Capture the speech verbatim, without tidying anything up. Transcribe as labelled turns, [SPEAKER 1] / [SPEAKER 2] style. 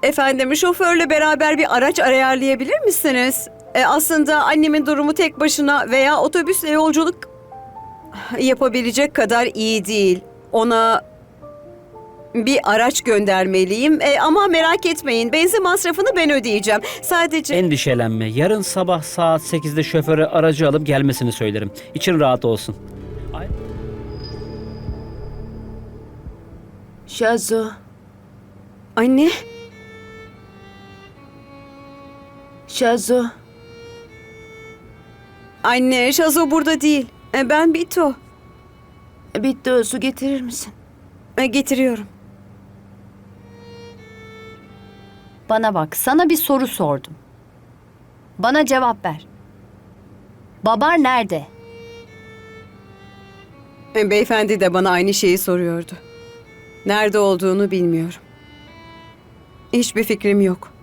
[SPEAKER 1] Efendim, şoförle beraber bir araç ayarlayabilir misiniz? E, aslında annemin durumu tek başına veya otobüsle yolculuk yapabilecek kadar iyi değil. Ona bir araç göndermeliyim. E, ama merak etmeyin, benzin masrafını ben ödeyeceğim. Sadece...
[SPEAKER 2] Endişelenme. Yarın sabah saat sekizde şoföre aracı alıp gelmesini söylerim. İçin rahat olsun. Ay-
[SPEAKER 3] Şazo,
[SPEAKER 1] Anne,
[SPEAKER 3] Şazo.
[SPEAKER 1] anne, Şazo burada değil. E, ben Bito.
[SPEAKER 3] Bitti, o su getirir misin?
[SPEAKER 1] E, getiriyorum.
[SPEAKER 4] Bana bak, sana bir soru sordum. Bana cevap ver. Babar nerede?
[SPEAKER 1] E, beyefendi de bana aynı şeyi soruyordu. Nerede olduğunu bilmiyorum. Hiçbir fikrim yok.